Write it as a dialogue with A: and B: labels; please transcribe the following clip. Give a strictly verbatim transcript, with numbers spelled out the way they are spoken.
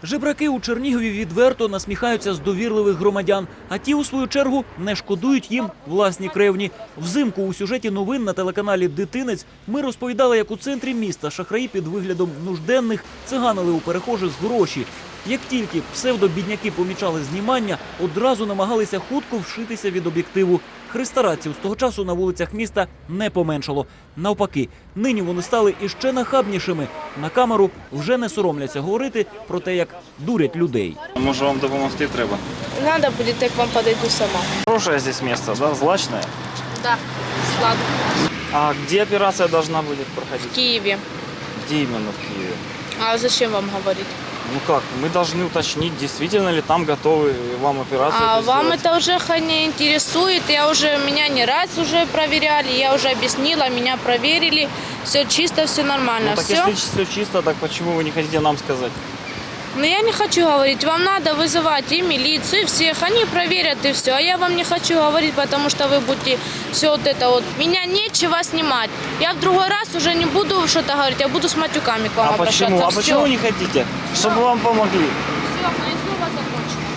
A: Жебраки у Чернігові відверто насміхаються з довірливих громадян, а ті, у свою чергу, не шкодують їм власні кревні. Взимку у сюжеті новин на телеканалі «Дитинець» ми розповідали, як у центрі міста шахраї під виглядом нужденних циганили у перехожих гроші. Як тільки псевдобідняки помічали знімання, одразу намагалися хутко вшитися від об'єктиву. Хрестараців з того часу на вулицях міста не поменшало. Навпаки, нині вони стали іще нахабнішими. На камеру вже не соромляться говорити про те, як дурять людей.
B: Може, вам допомогти треба?
C: Надо будет, я к вам подойду сама.
B: Хорошее здесь место, да? Злачное?
C: Да, сладко.
B: А где операция должна будет проходить?
C: В Киеве.
B: Где именно в Киеве?
C: А зачем вам говорить?
B: Ну как, мы должны уточнить, действительно ли там готовы вам операцию
C: А
B: эту
C: вам
B: сделать.
C: это уже не интересует. Я уже, меня не раз уже проверяли, я уже объяснила, меня проверили. Все чисто, все нормально.
B: Ну так
C: все.
B: если все чисто, так почему вы не хотите нам сказать?
C: Но я не хочу говорить. Вам надо вызывать и милицию, и всех. Они проверят, и все. А я вам не хочу говорить, потому что вы будете все вот это вот. Меня нечего снимать. Я в другой раз уже не буду что-то говорить, я буду с матюками к вам
B: А
C: обращаться.
B: почему? А
C: Всё.
B: почему не хотите? Чтобы вам помогли.
C: Все, мои слова закончены.